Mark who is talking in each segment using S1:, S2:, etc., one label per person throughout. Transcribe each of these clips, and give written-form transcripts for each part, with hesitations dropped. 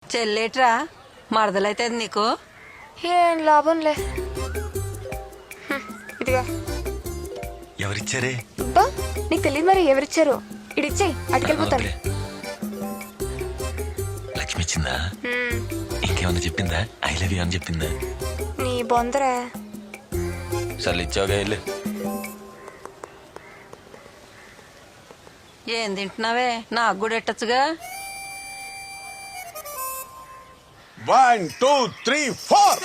S1: చెల్లేట్రా మరదలైతే నీకు
S2: ఏం లాభంలే. ఇదిగా
S3: ఎవరిచ్చారే?
S2: అబ్బా నీకు తెలియదు మరి ఎవరిచ్చారు. ఇడిచ్చేయి అటుకెళ్ళిపోతాను.
S3: లక్ష్మి ఇచ్చిందా? ఇంకేమన్నా చెప్పిందా? ఐ లవ్ యూ అని చెప్పిందా?
S2: నీ బొందరా.
S3: సర్లు ఇచ్చావుగా వెళ్ళు.
S1: ఏం తింటున్నావే? నాకు కూడా ఎట్టచ్చుగా.
S4: 1 2 3 4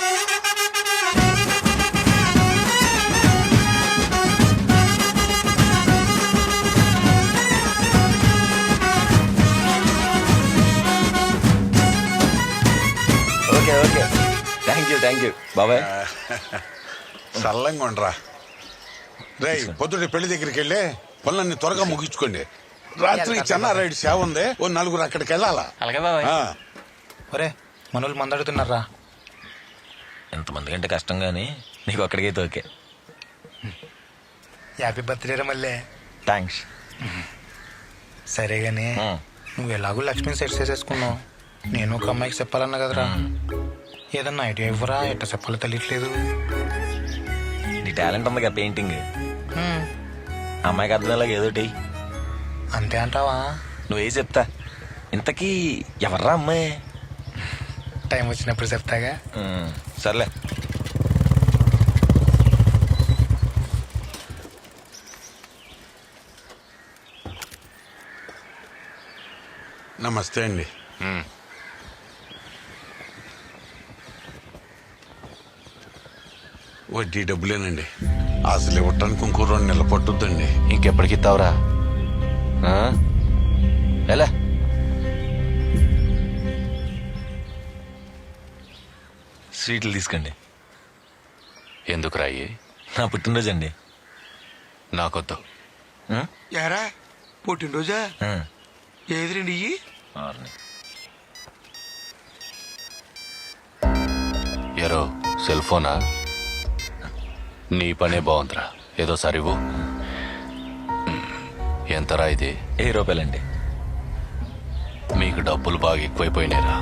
S3: ఓకే ఓకే, థ్యాంక్ యూ బాబాయ్.
S4: చల్లంగా ఉండరా. రేయ్ పొద్దుటి పెళ్లి దగ్గరికి వెళ్ళి పనులన్నీ త్వరగా ముగించుకోండి. రాత్రికి చెన్నారాయుడు సేవ ఉంది, ఓ నలుగురు అక్కడికి వెళ్ళాలా.
S3: అలాగే బాబాయ్.
S5: ఒరే మనోళ్ళు మందడుతున్నారా?
S3: ఎంతమంది కంటే కష్టం కానీ నీకు అక్కడికైతే ఓకే.
S5: హ్యాపీ బర్త్డే రా మళ్ళీ.
S3: థ్యాంక్స్.
S5: సరే గానీ నువ్వు ఎలాగో లక్ష్మిని సెట్ చేసేసుకున్నావు. నేను ఒక అమ్మాయికి చెప్పాలన్నా కదరా. ఏదన్నా ఐడియా ఇవ్వరా? ఎట్ట చెప్పాలో తెలియట్లేదు.
S3: నీ టాలెంట్ ఉందిగా పెయింటింగ్. అమ్మాయికి అర్థమయ్యేలాగా ఏదోటి
S5: అంతే అంటావా?
S3: నువ్వే చెప్తా. ఇంతకీ ఎవర్రా అమ్మాయి?
S5: టైం వచ్చినప్పుడు చెప్తాగా.
S3: సర్లే.
S4: నమస్తే అండి. వడ్డీ డబ్బులేనండి. అసలు ఇవ్వటానికి ఇంకో 2 నెలలు పట్టుద్దండి.
S3: ఇంకెప్పటికి ఇస్తావురా? ఎలా? స్వీట్లు తీసుకోండి.
S6: ఎందుకు రాయి?
S3: నా పుట్టినరోజు అండి.
S6: నాకొద్దు.
S7: యారా పుట్టినరోజా? ఏది రండి ఇయ్యి.
S6: ఎరో సెల్ ఫోనా? నీ పనే బాగుందిరా. ఏదో సరివు. ఎంతరా ఇది?
S3: 10 రూపాయలండి.
S6: మీకు డబ్బులు బాగా ఎక్కువైపోయినాయిరా.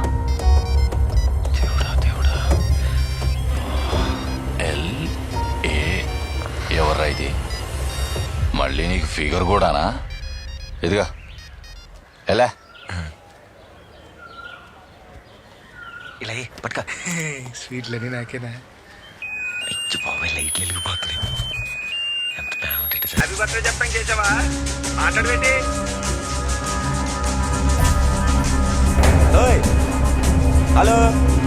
S6: దేవుడా. LA ఎవర్రా ఇది? మళ్ళీ నీకు ఫిగర్ కూడానా? ఇదిగా ఎలా?
S3: ఇలా పట్టుక.
S5: స్వీట్లని నాకేనా?
S3: అయ్యో బాబాయ్, లైట్లు వెలిగిపోతున్నాయి. ఎంత బాగుంటుంది.
S7: హ్యాపీ బర్త్డే చెప్పండి చేసావా? మాట్లాడబెట్టి
S3: హలో.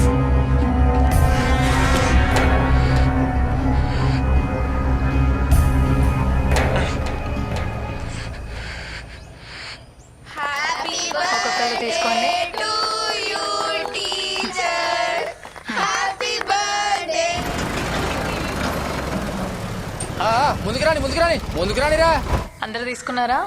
S2: ఒక్కొక్కరు తీసుకోండి.
S8: ముందుకు రానిరా.
S2: అందరు తీసుకున్నారా?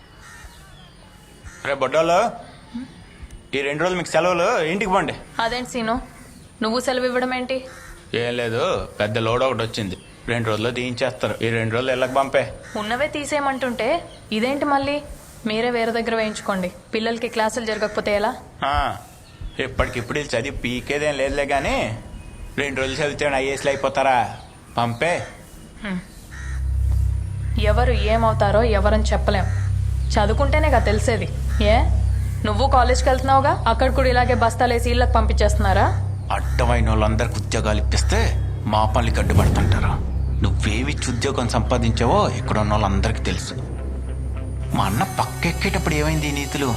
S8: రే బొడ్డోళ్ళు, ఈ 2 రోజులు మీకు సెలవులు, ఇంటికి పోండి.
S2: అదేంటి సీను, నువ్వు సెలవు ఇవ్వడం ఏంటి?
S8: ఏం లేదు, పెద్ద లోడ్ ఒకటి వచ్చింది. 2 రోజుల్లో తీయించేస్తారు. ఈ 2 రోజులు ఇళ్ళకి పంపే.
S2: ఉన్నవే తీసేయమంటుంటే ఇదేంటి మళ్ళీ? మీరే వేరే దగ్గర వేయించుకోండి. పిల్లలకి క్లాసులు జరగకపోతే ఎలా?
S8: ఇప్పటికిప్పుడు వీళ్ళు చదివి పీకేదేం లేదులే కానీ 2 రోజులు చదివితే ఐఏఎస్లు అయిపోతారా? పంపే.
S2: ఎవరు ఏమవుతారో ఎవరని చెప్పలేం. చదువుకుంటేనేగా తెలిసేది. ఏ నువ్వు కాలేజ్కి వెళ్తున్నావుగా, అక్కడ కూడా ఇలాగే బస్తాలేసి ఇళ్ళకి పంపించేస్తున్నారా?
S8: అడ్డమైన వాళ్ళందరికి ఉద్యోగాలు ఇప్పిస్తే మా పనులకి అడ్డుపడుతుంటారు. నువ్వేవిచ్చి ఉద్యోగం సంపాదించావో ఇక్కడ ఉన్న వాళ్ళందరికీ తెలుసు. మా అన్న పక్కెక్కేటప్పుడు ఏమైంది ఈ నీతులు?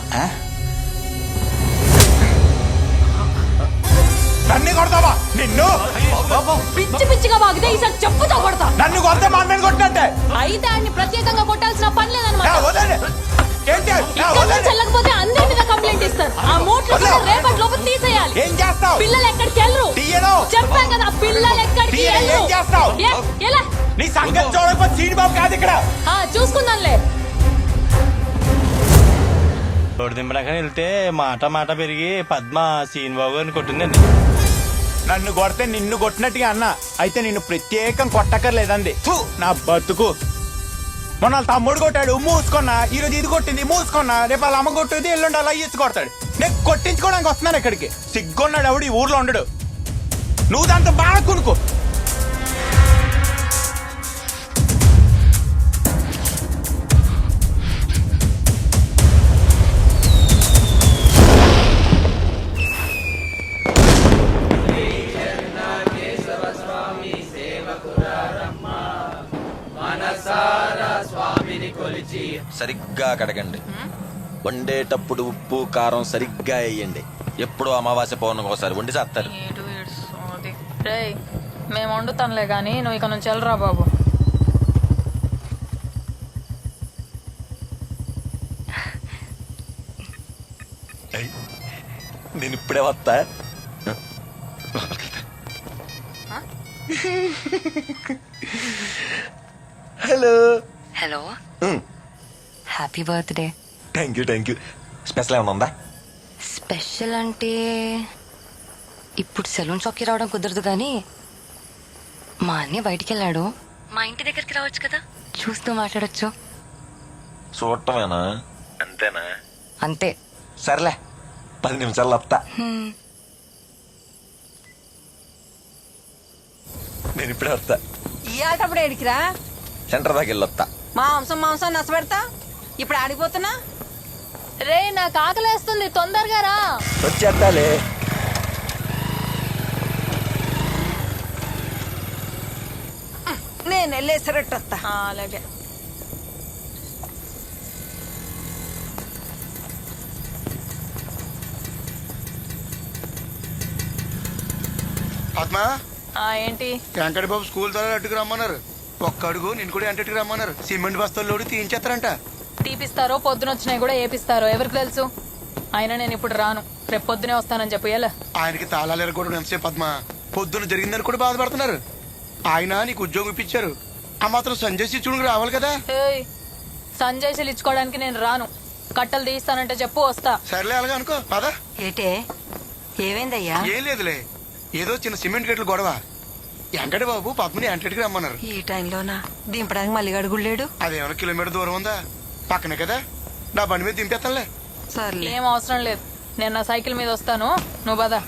S8: నన్ను కొడతావా? నిన్ను
S2: పిచ్చి పిచ్చిగా వాగితే ఈసారి చెప్పుతో కొడతా.
S8: నన్ను కొడితే మా అన్నని కొట్టినట్టే.
S2: అయితే ఆయన్ని ప్రత్యేకంగా కొట్టాల్సిన పని లేదన్నమాట.
S8: ఏంటి
S2: చెల్లకపోతే అందరి మీద కంప్లైంట్ ఇస్తారు. ఆ మూట్లు రేపటి లోపు తీసేయాలి.
S8: ఏం చేస్తావు?
S2: పిల్లలు ఎక్కడికి వెళ్ళరు.
S8: తీయను.
S2: చెప్పాను కదా, పిల్లలు ఎక్కడికి వెళ్ళరు.
S8: ఏం చేస్తావు?
S2: ఎలా?
S8: నీ సంగతి చూడకపోతే సీనిబాబు కాదు ఇక్కడ.
S2: చూసుకుందాంలే.
S9: రోడ్డు దింపడాక వెళ్తే మాట పెరిగి పద్మ సీనిబాబు గారిని కొట్టిందండి.
S8: నన్ను కొడితే నిన్ను కొట్టినట్టుగా అన్న. అయితే నిన్ను ప్రత్యేకం కొట్టక్కర్లేదండి. నా బతుకు. మొన్న తమ్ముడు కొట్టాడు, మూసుకున్నా. ఈరోజు ఇది కొట్టింది, మూసుకున్నా. రేపు వాళ్ళ అమ్మ కొట్టేది, ఎల్లుండి అలా ఇచ్చి కొడతాడు. నేను కొట్టించుకోవడానికి వస్తున్నాను ఇక్కడికి. సిగ్గున్నాడు ఎవడు ఈ ఊర్లో ఉండడు. నువ్వు దాంతో బాగా కొనుక్కో.
S3: సరిగ్గా కడగండి. వండేటప్పుడు ఉప్పు కారం సరిగ్గా వేయండి. ఎప్పుడు అమావాస్య పౌర్ణమికి ఒకసారి వండి చేస్తారు.
S2: రేయ్ మేము వండుతానులే కానీ నువ్వు ఇక నుంచి వెళ్ళరా బాబు.
S3: నేను ఇప్పుడే వస్తా. Hello.
S1: Hello, happy birthday.
S3: Thank you. Special ఏమైనా ఉందా?
S1: స్పెషల్ అంటే ఇప్పుడు సెలూన్ షాప్కి రావడం కుదరదు కానీ మా అన్నయ్య బయటికి వెళ్ళాడు. మా ఇంటి దగ్గరికి రావచ్చు కదా, చూస్తూ మాట్లాడొచ్చు.
S3: చూడటమేనా? అంతేనా?
S1: అంతే.
S3: సర్లే, 10 నిమిషాలు వస్తా. నేను ఇప్పుడే వస్తా.
S1: ఇయ్యాటప్పుడు ఏడికిరా?
S3: సెంటర్ దాకా వెళ్ళొస్తా.
S1: మాంసం నచ్చబెడతా. ఇప్పుడు ఆడిపోతున్నా.
S2: రే నాకు ఆకలేస్తుంది, తొందరగా రా.
S3: వచ్చేస్తాలే.
S1: నేను వెళ్ళేసరట్టు వస్తా.
S2: అలాగే.
S7: పద్మా,
S2: ఏంటి?
S7: వెంకట బాబు స్కూల్ ద్వారా అట్టుకు రమ్మన్నారు. ఒక్క అడుగు నేను కూడా ఎంటట్టుకు రమ్మన్నారు. సిమెంట్ బస్తాలు లోడి తీయించేస్తారంట.
S2: తీపిస్తారో పొద్దునొచ్చినాయి కూడా ఏపిస్తారో ఎవరికి తెలుసు. అయినా నేను ఇప్పుడు రాను, రేపు పొద్దునే వస్తానని చెప్పు. ఎలా
S7: ఆయనకి తాళాలు ఎరగొట్టడం ఎంతసేపు పద్మా? పొద్దున జరిగిందని కూడా బాధపడుతున్నారు. ఆయన నీకు ఉద్యోగం ఇప్పించారు, ఆ మాత్రం సంజయ్ శిక్షుడికి రావాలి కదా.
S2: సంజయ్ శీల్ ఇచ్చుకోవడానికి నేను రాను. కట్టలు తీస్తానంటే చెప్పు, వస్తా.
S7: సర్లే అలాగే అనుకో పదా.
S1: ఏటే ఏమైందయ్యా?
S7: ఏం లేదులే, ఏదో చిన్న సిమెంట్ గేట్లు గొడవ. వెంకట బాబు పద్మని ఎంటట్టుకు రమ్మన్నారు.
S1: ఈ టైంలోనా దింపడానికి మళ్ళీ అడుగులేడు.
S7: అదేమైనా కిలోమీటర్ దూరం ఉందా? పక్కనే కదా, నా బండి మీద దింపేస్తానులే.
S1: సర్లే.
S2: ఏం అవసరం లేదు, నేను నా సైకిల్ మీద వస్తాను, నువ్వు పద.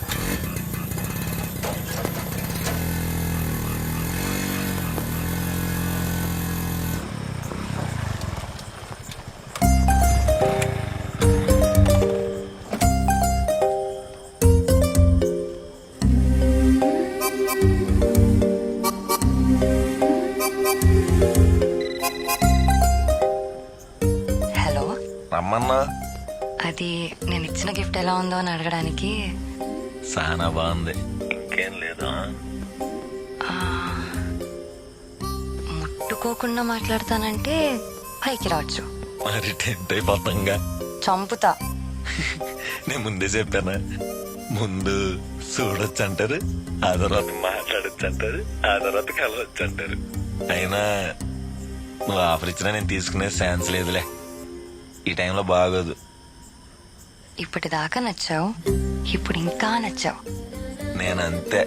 S1: హలో,
S3: రమ్మన్నా.
S1: అది నేను ఇచ్చిన గిఫ్ట్ ఎలా ఉందో అని అడగడానికి.
S3: చాలా బాగుంది. ఇంకేం లేదా?
S1: ముట్టుకోకుండా మాట్లాడతానంటే పైకి రావచ్చు.
S3: మరి టెంట్ అయిపోతాంగా.
S1: చంపుతా.
S3: నేను ముందే చెప్పానా? ముందు చూడొచ్చు అంటారు, ఆ తర్వాత మాట్లాడొచ్చు అంటారు, ఆ తర్వాత కలవచ్చు అంటారు. అయినా నువ్వు ఆఫర్ ఇచ్చినా నేను తీసుకునే ఛాన్స్ లేదులే. ఈ టైంలో బాగోదు.
S1: ఇప్పటిదాకా నచ్చావు, ఇప్పుడు ఇంకా నచ్చావు.
S3: నేనంతే.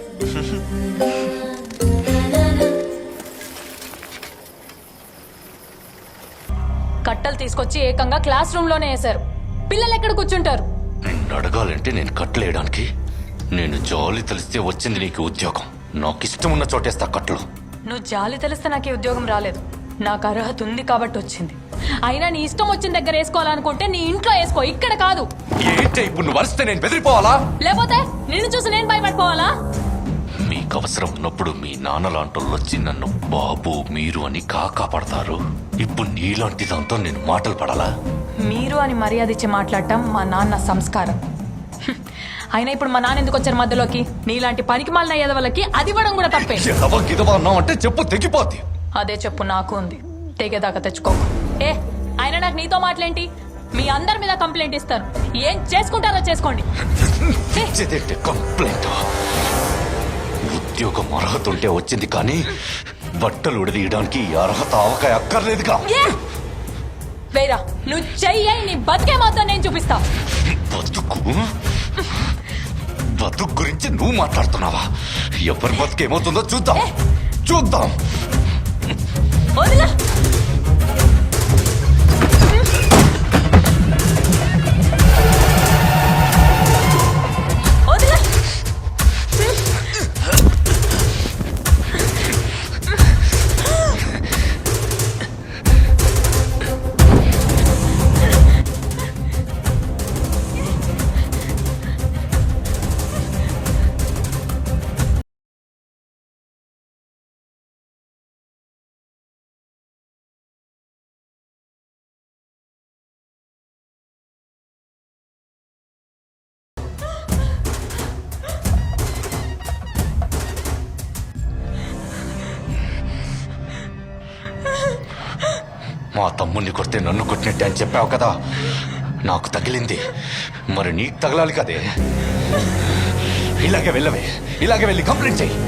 S2: కట్టలు తీసుకొచ్చి ఏకంగా క్లాస్ రూమ్ లోనే వేశారు. పిల్లలు ఎక్కడ కూర్చుంటారు?
S6: నిన్ను అడగాలంటే నేను కట్టలేయడానికి. నేను జాలి తెలిస్తే వచ్చింది నీకు ఉద్యోగం. నాకు ఇష్టం ఉన్న చోటేస్తా కట్టలు.
S2: నువ్వు జాలి తెలిస్తే నాకు ఈ ఉద్యోగం రాలేదు. నాకు అర్హత ఉంది కాబట్టి వచ్చింది. అయినా నీ ఇష్టం వచ్చిన దగ్గర వేసుకోవాలనుకుంటే నీ ఇంట్లో వేసుకో, ఇక్కడ కాదు.
S6: ఏంటి ఇప్పుడు నువ్వు వరిస్తే నేను బెదిరిపోవాలా?
S2: లేకపోతే నిన్ను చూసి నేను భయపడిపోవాలా?
S6: మీకు అవసరం ఉన్నప్పుడు మీ నాన్న లాంటోళ్ళు వచ్చి నన్ను బాబు మీరు అని కాపాడతారు. ఇప్పుడు నీలాంటి దాంతో నేను మాటలు పడాలా?
S2: మీరు అని మర్యాద ఇచ్చి మాట్లాడటం మా నాన్న సంస్కారం. అయినా ఇప్పుడు మా నాన్న ఎందుకు వచ్చారు మధ్యలోకి? నీలాంటి పనికి మాలిన ఎదవలకి అది ఇవ్వడం కూడా తప్పే.
S6: అన్నావు అంటే చెప్పు తెగిపోద్ది.
S2: అదే చెప్పు నాకు ఉంది, తెగేదాకా తెచ్చుకో. అయినా నాకు నీతో మాటలేంటి? మీ అందరి మీద కంప్లైంట్ ఇస్తాను. ఏం చేసుకుంటారో చేసుకోండి.
S6: కంప్లైంట్? ఉద్యోగం అర్హత ఉంటే వచ్చింది, కానీ బట్టలు ఉడదీయడానికి అర్హత అవకాయ అక్కర్లేదుగా.
S2: వేరా నువ్వు చెయ్యి, నీ బతికే మాత్రం నేను చూపిస్తా.
S6: బతుకు గురించి నువ్వు మాట్లాడుతున్నావా? ఎవరి బతుకేమవుతుందో చూద్దాం.
S2: వదిలా.
S6: మా తమ్ముడిని కొడితే నన్ను కొట్టినట్టే అని చెప్పావు కదా, నాకు తగిలింది మరి నీకు తగలాలి కదే. ఇలాగే వెళ్ళవే, ఇలాగే వెళ్ళి కంప్లైంట్ చెయ్యి.